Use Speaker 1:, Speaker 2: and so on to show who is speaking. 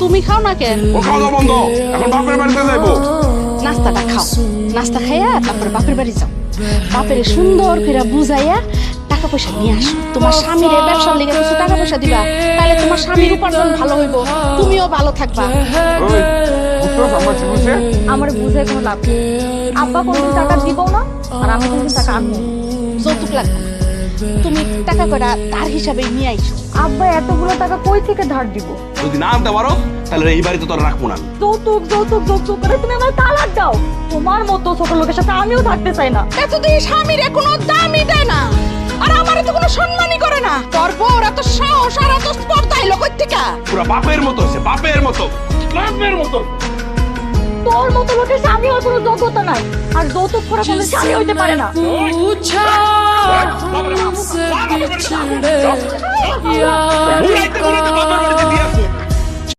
Speaker 1: তুমি খাও না কেন?
Speaker 2: ও খাওয়া দাওয়া বন্ধ, এখন বাপের বাড়িতে যাইবো।
Speaker 1: নাস্তাটা খাও, নাস্তা খাইয়া তারপরে বাপের বাড়ি যাও। বাপের সুন্দর করে বুঝাইয়া টাকা পয়সা নিয়ে আসো। তোমার স্বামীর ব্যবসার লেগে কিছু টাকা পয়সা দিবা, তাহলে তোমার স্বামীর উপার্জন ভালো হইব, তুমিও ভালো থাকবা।
Speaker 2: ওই বুঝছো আমার কি বুঝছে?
Speaker 3: আমার বুঝে কোনো লাভ নেই। আব্বা কোনদিন টাকা দিব না, আর আমি কোনদিন টাকা আনবো না।
Speaker 1: যৌতুক লাগবে না, তুমি টাকা কয়টা ধার হিসাবে নিয়ে আইসো।
Speaker 3: আব্বা এতগুলো টাকা কই থেকে ধার দিব?
Speaker 2: যদি না আনতে পারো তাহলে এই বাড়িতে তোর রাখবো না।
Speaker 3: যৌতুক যৌতুক যৌতুক করে তুমি আমার তালাক দাও। তোমার মতো ছোট লোকের সাথে আমিও থাকতে চাই না।
Speaker 1: এতদিন স্বামীর কোনো দামই দেয় না, আর আমারে তো কোনো সম্মানই করে না। তোর বউর এত সাহস আর এত স্পর্ধা এলো কই থেকে?
Speaker 2: পুরো বাপের মতো হয়েছে, বাপের মতো, বাপের মতো।
Speaker 3: তোর মতো লোকের স্বামী হওয়ার কোনো যোগ্যতা নাই, আর যৌতুক করা কোনো স্বামী হইতে পারে না।
Speaker 2: বুড়াইতে বুড়াইতে বাপের বাড়িতে দিয়ে আসো।